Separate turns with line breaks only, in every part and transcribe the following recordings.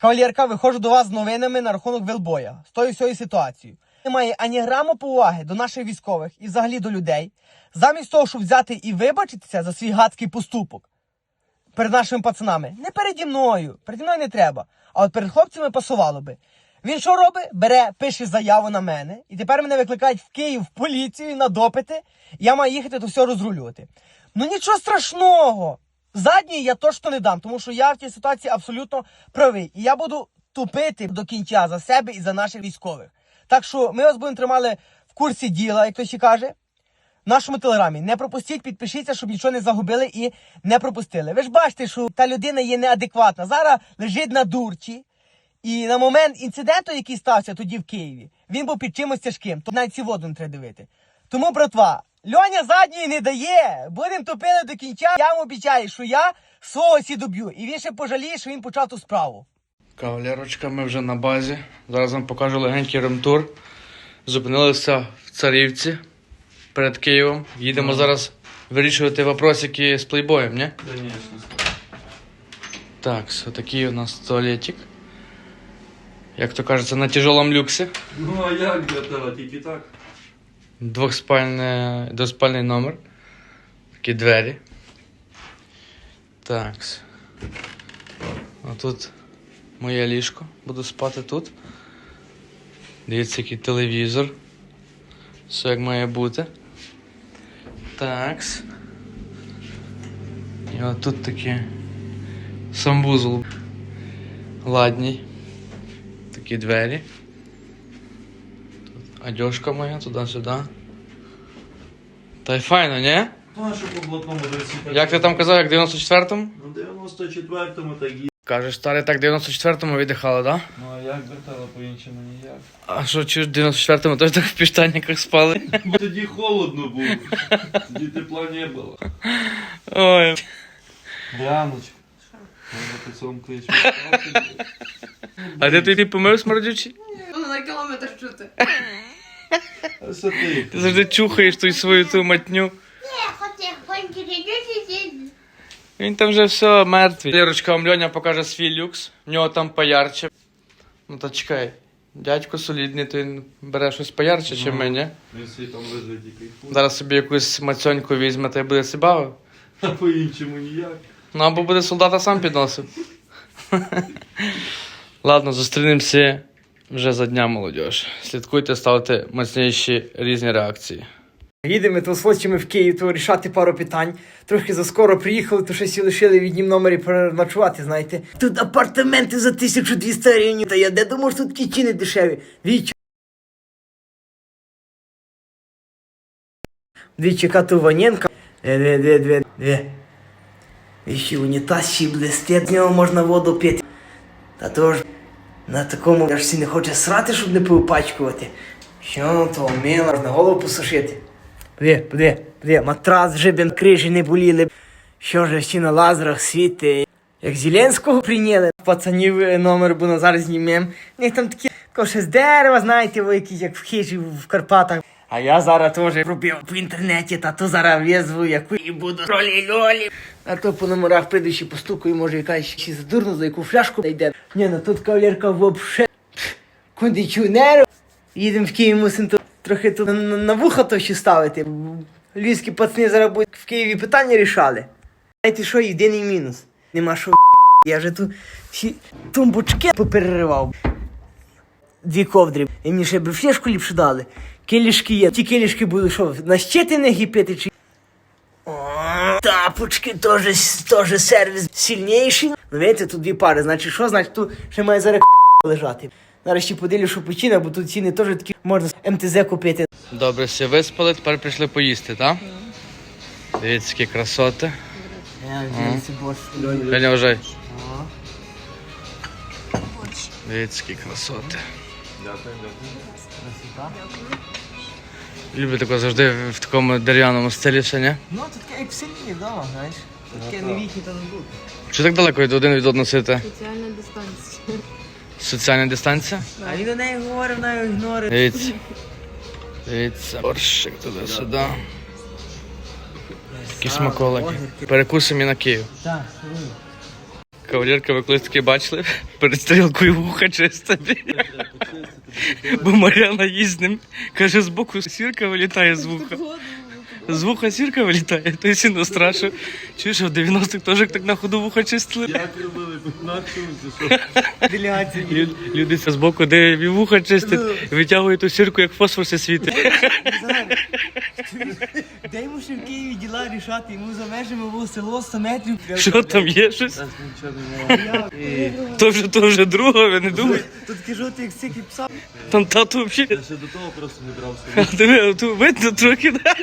Кавалерка, виходжу до вас з новинами на рахунок Велбоя. З тою всією ситуацією. Немає ані граму поваги до наших військових і взагалі до людей. Замість того, щоб взяти і вибачитися за свій гадський поступок перед нашими пацанами. Не переді мною не треба. А от перед хлопцями пасувало би. Він що робить? Бере, пише заяву на мене. І тепер мене викликають в Київ в поліцію на допити. Я маю їхати то все розрулювати. Ну нічого страшного. Задній я точно не дам, тому що я в цій ситуації абсолютно правий. І я буду тупити до кінця за себе і за наших військових. Так що ми вас будемо тримали в курсі діла, як хтось ще каже. В нашому телеграмі. Не пропустіть, підпишіться, щоб нічого не загубили і не пропустили. Ви ж бачите, що та людина є неадекватна. Зараз лежить на дурчі. І на момент інциденту, який стався тоді в Києві, він був під чимось тяжким. То навіть ці воду не треба дивити. Тому, братва, Льоня задньої не дає. Будемо топили до кінця. Я вам обіцяю, що я свого доб'ю. І він ще пожаліє, що він почав ту справу.
Кавалерочка, ми вже на базі. Зараз вам покажу легенький ремтур. Зупинилися в Царівці перед Києвом. Їдемо зараз вирішувати вопросики з плейбоєм, не?
Конечно.
Так, ось такий у нас туалетик. Як то кажеться, на тяжелому люксі.
Ну а як для тебе, тільки так?
Двоспальний номер. Такі двері. Так. А тут моє ліжко. Буду спати тут. Дивіться, який телевізор. Все як має бути. Так. І от тут такі санвузол. Ладній. Такі двері. Тут одежка моя, туди-сюди. Та й файно, не?
Ну а що по блатному досі?
Як ти там казав, як в 94-му?
Ну 94-му так і.
Кажеш, старий, так в 94-му віддихали, да?
Ну а як вертало по-іншому ніяк?
А що, чи в 94-му теж так в піштанниках спали?
Бо тоді холодно було. Тоді тепла не було.
Ой.
Діаночка. Може ти сам клич.
А де ти помив смердючий?
На кілометр чути.
А що ти?
Ти завжди чухаєш ту свою ту матню. Він там вже все мертвий. Лірочка, вам Льоня покаже свій люкс. В нього там поярче. Ну та чекай. Дядько солідний, то він бере щось поярче, чим ми, ні?
Він свій там лежить і кайфує.
Зараз собі якусь мацьоньку візьме та й буде себе бавив.
А по-іншому ніяк.
Ну або буде солдата сам підносив. Ладно, зустрінемося вже за дня, молодіж. Слідкуйте, ставте мощніші різні реакції.
Їдемо то з хлопцями в Київ, то рішати пару питань. Трохи заскоро приїхали, то щось і лишили в однім номері переночувати, знаєте. Тут апартаменти за 1200 гривень. Та я де думав, що тут кічини дешеві. Двічі кату Ваненка. Дві. Віщі унітаз ще блистить, з нього можна воду пити. Та то ж на такому аж всі не хоче срати, щоб не поупачкувати. Що то мило, можна голову посушити. Подиви, матрас вже б крижі не боліли. Що ж, всі на лазерах світи. Як Зеленського прийняли, пацанів номер, бо зараз знімем. У них там такі коше з дерева, знаєте, ви якісь як в хижі в Карпатах. А я зараз теж робив по інтернеті, та то зараз в'язую, яку і буду ролі-льолі. А то по номерах прийду ще постукаю, може якась ще задурно, за яку фляжку йде. Ні, ну тут кавалерка вообще кондиціонер. Їдемо в Київ, мусимо трохи тут на вуха то ще ставити. Львівські пацани зараз будуть в Києві питання рішали. Знаєте що, єдиний мінус. Нема що я вже тут всі тумбочки попереривав. 2 ковдри. І мені ще б флешку ліпше дали. Келішки є. Ті келішки були що, на щити не гіпити чи... О, тапочки теж сервіс сильніший. Ну, видите, тут 2 пари. Значить що? Значить тут ще має зараз лежати. Зараз ще поділю, що почина, бо тут ціни теж такі можна з МТЗ купити.
Добре, все виспали, тепер прийшли поїсти, так? Дивіться, які красоти. Льоня, вважай. Дивіться, які красоти.
Дякую.
Люблю таке завжди в такому дерев'яному стилі все, ні?
Ну, тут таке як в селі вдома, знаєш. Тут таке новітні та не буде.
Чи так далеко один від одного сидите?
Соціальна дистанція.
Соціальна дистанція?
А він до неї говорив, вона його ігнорить.
Дивіться. Дивіться, борщик туди-сюди. Такі смаколики. Перекусимо і на Київ.
Так,
Кавалерка, ви колись таке бачили? Перед стрілкою вуха чистити. Бо Мар'яна їсть з ним. Каже, з боку сірка вилітає з вуха. З вуха сірка вилітає, то й сильно страшно. Чуєш, а в 90-х теж так на ходу вуха чистили?
Як робили, на чому, що?
Делегація.
Люди з боку, де вуха чистять, витягують ту сірку, як фосфор все світить.
Де йому ще в Києві діла рішати? Йому за межами було село 100 метрів.
Що там є щось?
Нічого немає.
То вже друга, ви не думаєте?
Тут кажу, ти як стільки пса.
Там тату взагалі.
Я ще до того просто не брався.
А диви, тут видно трохи. Да?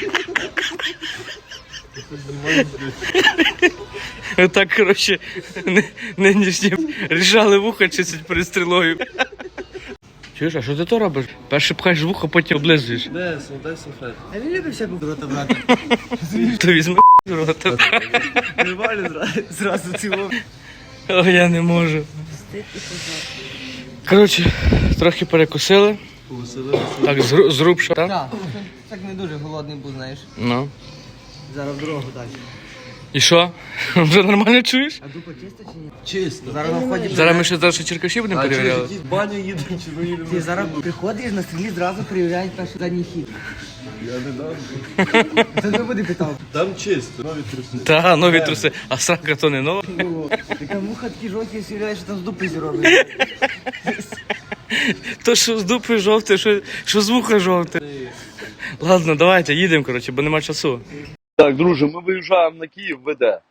Так, коротше, нинішні рішали вуха чистять перед стрілою. Чуєш, а що ти то робиш? Перше пхаєш вухо, потім облизуєш.
Де, дай салфет.
А він любить всяку рота брати.
То візьми в рота.
Нормально зразу ціло.
О, я не можу. Коротше, трохи перекусили.
Повеселилися.
Так, зрубша. Так?
Так, так не дуже голодний був, знаєш.
Ну.
Зараз в дорогу далі.
І що? Вже нормально чуєш?
А дупа чиста чи ні?
Чисто.
Зараз на вході.
Зараз ми ще черкаші будемо перевіряти.
в баню їдемо, чи ми їдемо?
Ти зараз приходиш на стрілі, зразу перевіряють перший задній хід.
Я не дам.
Це не буде питав.
Там чисто, нові труси.
Та, нові труси. А срака то не нова.
Така муха такі жовті, сіряє, що там з дупи зробить.
То що з дупи жовте, що з вуха жовте. Ладно, давайте, їдемо, коротше, бо нема часу.
Так, друже, ми виїжджаємо на Київ, ВД.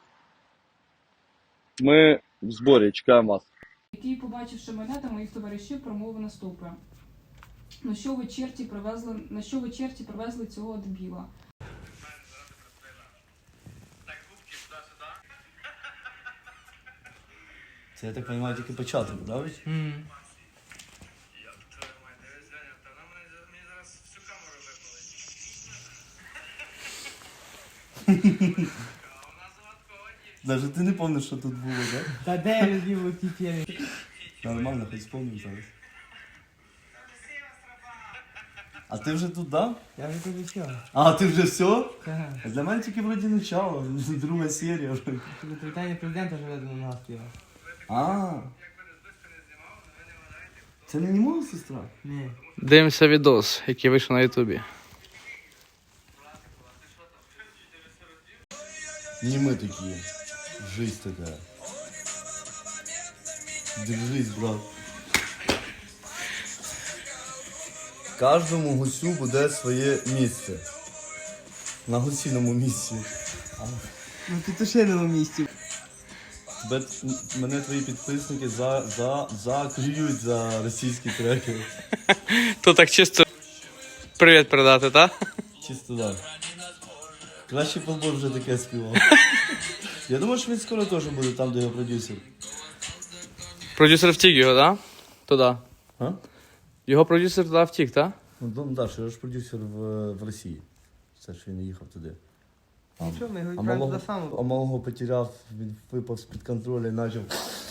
Ми в зборі, чекаємо вас.
Який, побачивши мене та моїх товаришів, промовив наступне. На що ви черті привезли цього дебіла?
Це, я так розумію, тільки початок, правда? Даже ти не пам'ятаєш, що тут було, так?
Та де я любив ті фірми?
Нормально, хоч спомнив зараз. А ти вже тут, да?
Я вже тобі все.
А, ти вже все?
Ага.
Для мене тільки вроді начало, друга серія вже.
Тобі привітання президента живе до нас.
А. Це не мова сестра?
Ні.
Дивимося відос, який вийшов на Ютубі.
Не мы такие. Жизнь такая. Держись, брат. Кожному гусю буде своє місце. На гусіному місці.
Ну ти то ще на місці.
Мене твої підписники заклюють за російські треки.
То так чисто привіт передати, так?
Чисто так. Краще полбор вже таке співав. Я думаю, що він скоро теж буде там, де його продюсер.
Продюсер втік його, так? Туди.
А?
Його продюсер туди втік, так?
Ну, Дон Даш, я ж продюсер в Росії. Це ж він не їхав туди.
Ну що, ми його
А
відправимо
малого,
туди самого.
малого потеряв, він випав з-під контролю і почав.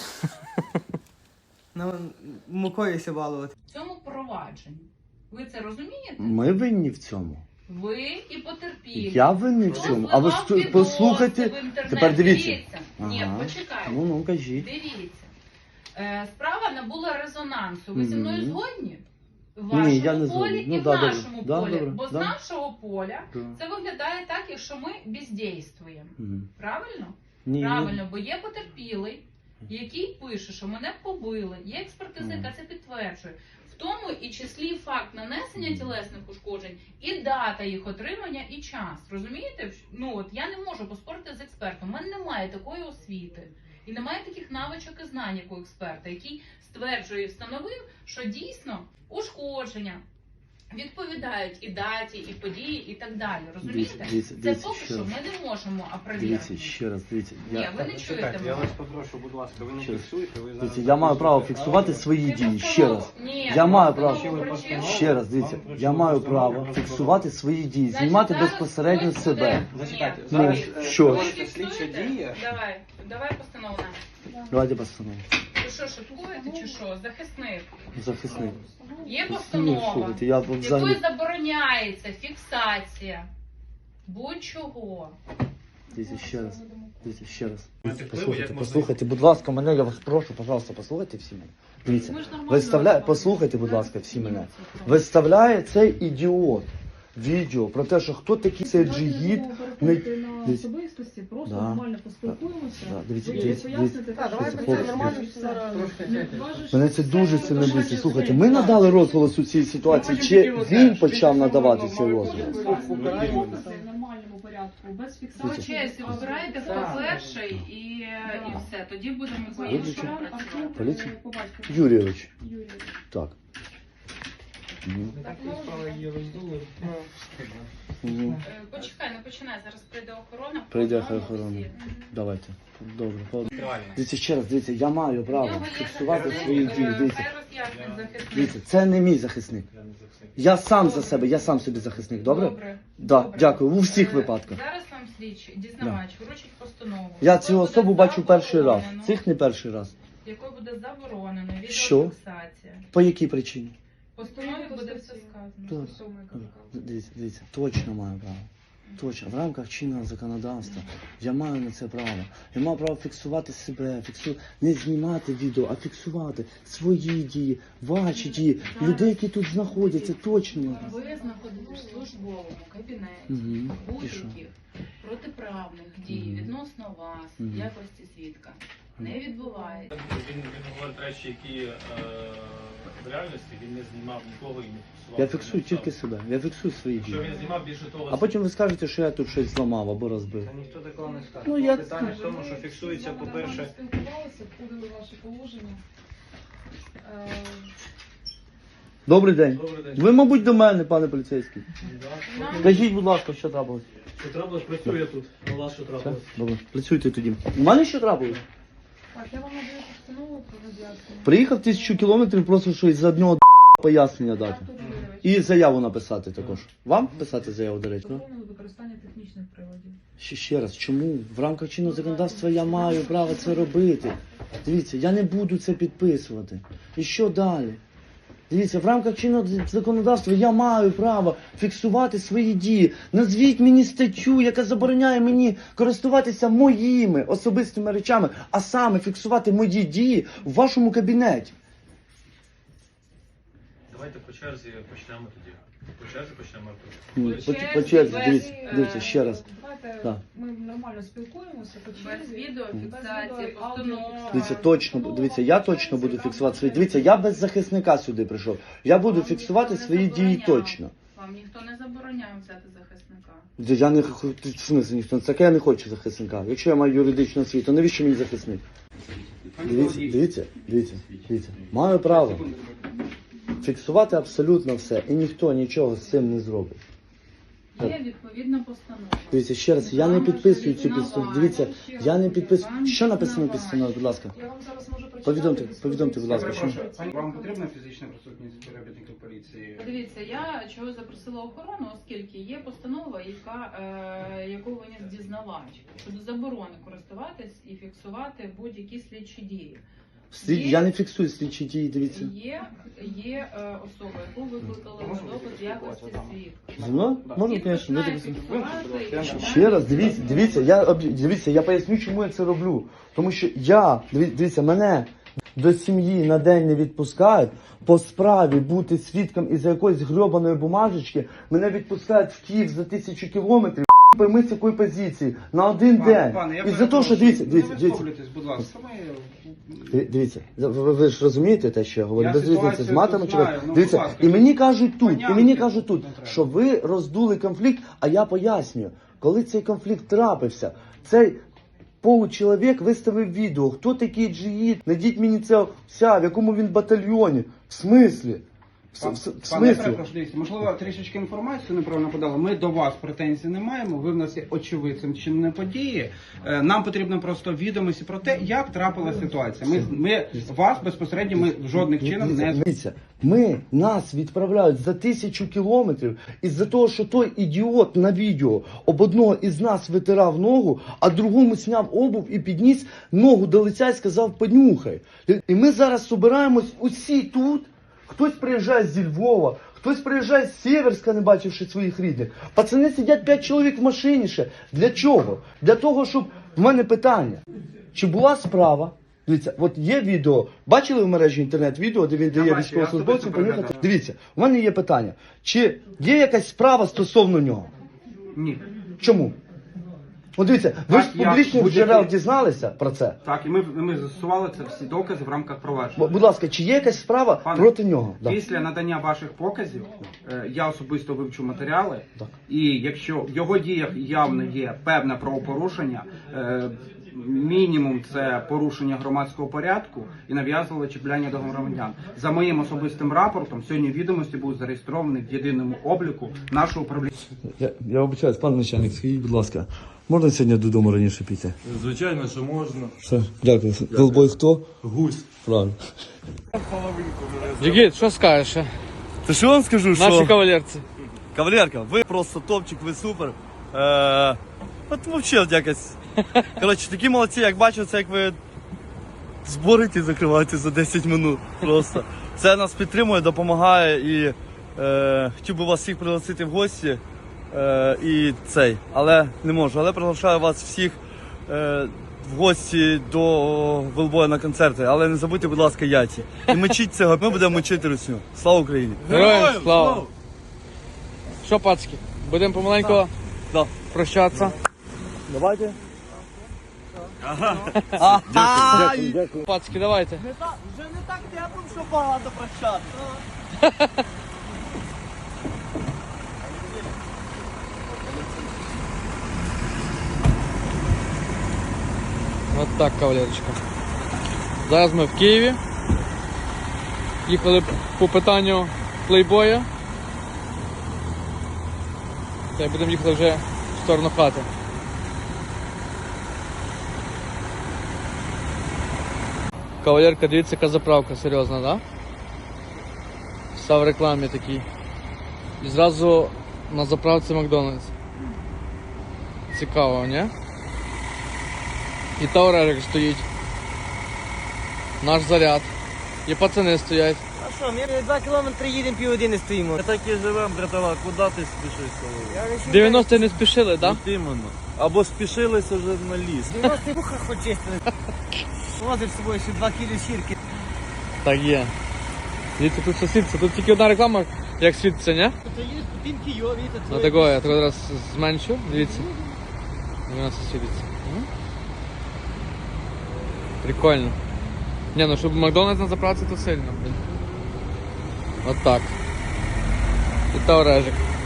Нам мукою ся балувати.
В цьому провадженні. Ви це розумієте?
Ми винні в цьому.
Ви і потерпілі.
Я винний в цьому. А ви послухайте. Тепер дивіться.
Ні,
Ага.
почекайте.
Ну, кажіть.
Дивіться. Справа набула резонансу. Ви зі мною
Мгм.
згодні? В
Ні,
вашому
я не
полі
згоден.
і
Ну,
в
да, добре.
нашому
Да,
полі.
добре,
Бо з
да.
нашого поля
Да.
це виглядає так, якщо ми бездействуємо.
Мгм.
Правильно?
Ні,
Правильно, бо є потерпілий, який пише, що мене побили, є експертиза, яка це підтверджує. В тому і числі факт нанесення тілесних ушкоджень, і дата їх отримання, і час. Розумієте? Ну от я не можу поспорити з експертом. У мене немає такої освіти. І немає таких навичок і знань, як у експерта, який стверджує і встановив, що дійсно ушкодження відповідають і даті, і події, і так далі. Розумієте?
Дивіться,
Це
дивіться,
поки
ще
що
раз.
ми не можемо опровергнути.
Дивіться, ще раз, дивіться.
Ні, ви не чуєте
Чекайте, я
мене.
вас попрошу, будь ласка, ви не
Ще раз.
фіксуєте, ви зараз...
Дивіться, я маю право фіксувати свої
Ти
дії. Ще
постанову-
раз.
Ні,
Я
ти
маю
постанову
право.
вручив.
Ще раз, дивіться, я маю право фіксувати свої дії,
Значить,
знімати
зараз
безпосередньо
хтось
себе.
буде-
Зачекайте,
Ні,
зараз,
ви
що?
фіксуєте?
Слідча дія.
Давай постанову нам.
Давайте постанову.
Ви що, шуткуєте чи що? Захисник.
Захисник.
Є
Ні,
постанова,
слухайте, я
якою
взагалі...
забороняється фіксація будь-чого.
дивіться, ще раз. Дивіться, ще раз. Послухайте, будь ласка, мене, я вас прошу, пожалуйста, послухайте всі мене. Дивіться, послухайте, будь ласка, всі мене. Виставляє цей ідіот відео про те, що хто такий цей джигіт.
На особистості, просто
Да.
нормально поспілкуємося.
Да, дивіться,
Ви
дивіться,
поясните,
дивіться.
що
Дивіться,
це
хлопці,
нормально,
дивіться.
все зараз.
Мене це дуже сильно бісить. Слухайте, ми надали розголос у цій ситуації, чи він почав надавати цей розголос?
В нормальному порядку, без
По
фіксації.
честі вибирайте, хто перший, і все. Тоді будемо по-іншому працювати.
Поліція?
По батькові.
Юрійович,
Юрій.
так. Мгм.
Почекай, не починай, зараз прийде охорона.
Прийде
По-одному
охорона.
всі.
Давайте. Добре.
Тривально.
Дивіться, ще раз, дивіться, я маю
В
право
нього є
фіксувати
захисник,
свої дії. Дивіться,
хай роз'яснить захисник.
дивіться, це не мій захисник. Я сам за себе, я сам собі захисник, добре?
Добре.
Да,
Добре.
дякую, у всіх випадках.
Зараз вам слідчий, дізнавач, вручить постанову.
Я цю
якою
особу
буде
бачу перший раз.
заборонено-
Цих не перший раз.
Якою буде заборонено
Що?
відеофіксація.
По якій причині?
В постанові буде все сказано.
Так. Дивіться, точно маю право. Точно, в рамках чинного законодавства я маю на це право. Я маю право фіксувати себе, не знімати відео, а фіксувати свої дії, ваші дії, людей, які тут знаходяться, точно.
Ви знаходитесь в службовому кабінеті
Мгм. І що?
будь-яких протиправних дій
Мгм.
відносно вас,
Мгм.
в якості свідка, не відбувається.
Він говорить речі, які в реальності він не знімав нікого і не фіксував.
Я фіксую тільки себе, я фіксую свої
Що
дії.
він знімав більше того,
А потім ви скажете, що я тут щось зламав або розбив.
Та ніхто такого не скаже.
Ну, я-
Питання в тому, що фіксується, по-перше,
Спілкувалися, входили в ваше положення.
Добрий день.
добрий день.
Ви, мабуть, до мене, пане поліцейський.
Нам
Скажіть, будь ласка, що трапилось?
Що трапилось, працює тут. У вас що
Все?
трапилось?
Добре, працюйте тоді. У мене що трапилось?
Так, я вам надаю постанову про роз'яснення.
Приїхав 1000 кілометрів, просто що із одного пояснення дати.
Артур Юрійович,
І заяву написати також. Вам писати заяву, до речі? Ну?
заборонили використання технічних приладів.
Ще раз, чому? В рамках чинного законодавства я маю право це робити. Дивіться, я не буду це підписувати. І що далі? Дивіться, в рамках чинного законодавства я маю право фіксувати свої дії. Назвіть мені статтю, яка забороняє мені користуватися моїми особистими речами, а саме фіксувати мої дії в вашому кабінеті.
Давайте по черзі почнемо тоді. По черзі почнемо.
По черзі, дивіться, ще раз.
Давайте
Так.
ми нормально спілкуємося по
без
черзі.
відеофіксації, постанови.
Дивіться, точно, дивіться, я точно буду фіксувати свої. Дивіться, я без захисника сюди прийшов. Я буду
Вам
фіксувати
ніхто не
свої дії
забороняв.
точно.
Вам ніхто не забороняв взяти захисника.
Я не в смислі ніхто. Так я не хочу захисника. Якщо я маю юридичну освіту, то навіщо мені захисник? Дивіться. Маю право фіксувати абсолютно все. І ніхто нічого з цим не зробить.
Є відповідна постанова.
Дивіться, ще раз, я не підписую цю постанову. Дивіться, я не підписую. Що написано в постанові, будь ласка?
Я вам зараз можу прочитати.
Повідомте, будь ласка, що?
Пані, вам потрібна фізична присутність співробітників поліції?
Дивіться, я чого запросила охорону, оскільки є постанова, яку виніс дізнавач щодо заборони користуватись і фіксувати будь-які слідчі дії.
Я не фіксую слідчі дії, дивіться.
Є особа, яку викликали на допит в якості свідка.
Зі мною? Можна,
Він
звісно,
починає
витягнути.
фіксувати,
Ще раз, дивіться, я поясню, чому я це роблю. Тому що дивіться, мене до сім'ї на день не відпускають, по справі бути свідком із якоїсь грьобаної бумажечки, мене відпускають в Київ за 1000 кілометрів, пойми з якої позиції, на один день. І за те, що, дивіться,
будь ласка.
дивіться, ви ж розумієте те, що я говорю,
Я
без різниці з
ситуацію
матами
тут
чи без...
знаю, ну,
Дивіться,
будь ласка,
і мені кажуть
понятно,
тут,
не треба.
що ви роздули конфлікт, а я пояснюю, коли цей конфлікт трапився, цей получеловік виставив відео, хто такий джигіт, найдіть мені це в якому він батальйоні, в смислі? В
Пане
смислі?
перепрошую, дивіться, можливо, трішечки інформацію неправильно подали. Ми до вас претензій не маємо. Ви в нас є очевидцем чинної події. Нам потрібно просто відомості про те, як трапилася ситуація. Ми вас безпосередньо ми жодних чином не
Дивіться, нас відправляють за 1000 кілометрів із-за того, що той ідіот на відео об одного із нас витирав ногу, а другому сняв обув і підніс ногу до лиця і сказав понюхай. І ми зараз збираємось усі тут. Хтось приїжджає зі Львова, Хтось приїжджає з Сєверська, не бачивши своїх рідних. Пацани сидять 5 чоловік в машині ще. Для чого? Для того, щоб... В мене питання. Чи була справа? Дивіться, от є відео. Бачили в мережі інтернет-відео, де він дає
бачив,
військовослужбовцям
я
поїхати?
переглядав.
Дивіться, у мене є питання. Чи є якась справа стосовно нього?
Ні.
Чому? От дивіться, ви ж з
Так, я
публічних
будь-який-
джерел дізналися про це?
Так, і ми застосували це всі докази в рамках провадження.
Будь ласка, чи є якась справа
Пане,
проти нього? Да.
Після надання ваших показів я особисто вивчу матеріали,
Так.
і якщо в його діях явно є певне правопорушення, мінімум це порушення громадського порядку і нав'язливе чіпляння до громадян. За моїм особистим рапортом сьогодні відомості будуть зареєстровані в єдиному обліку нашого управління.
Я вибачаюсь, пан начальник, скажіть, будь ласка, можна сьогодні додому раніше піти?
Звичайно, що можна.
Все, дякую. Голбой хто?
Гусь.
Правильно.
Джигіт, що скажеш? ще?
Та що вам скажу,
Наші
що...
кавалерці.
Кавалерка, ви просто топчик, ви супер. От взагалі якось. Коротше, такі молодці, як бачу, це як ви зборите і закриваєте за 10 минут. Просто. Це нас підтримує, допомагає і хотів би вас всіх пригласити в гості. І цей, але не можу. Але приглашаю вас всіх в гості до Велбоя на концерти. Але не забудьте, будь ласка, яйці. І мочіть цього, ми будемо мочити русню. Слава Україні!
Героям слава! Що, пацки, будемо помаленьку
Да.
прощатися?
Давайте.
Пацки, давайте.
Вже не так тепло, що багато прощати.
От так, кавалерочка. Зараз ми в Києві. Їхали по питанню плейбоя. Та й будемо їхати вже в сторону хати. Кавалерка, дивіться, яка заправка серйозна, да? Вся в рекламі такій. І зразу на заправці Макдональдс. Цікаво, ні? І Таурерик стоїть. Наш заряд. І пацани стоять.
А що, ми 2 кілометри їдемо, півгодини стоїмо.
Ми так і живемо, братова, куди ти спішиш?
90 не спішили, так?
От іменно. Або спішилися вже на ліс.
90 вуха хоч чистили. Возив з собою ще 2 кілі шірки.
Так є. Дивіться, тут все світиться. Тут тільки одна реклама, як світиться, ні?
То їдеш по пінки, йо, віта,
Ну такого, я зараз зменшу, дивіться. І вона все світиться. Прикольно. Ні, ну щоб Макдональдс на заправці, то сильно, блін. От так. І Таурежик.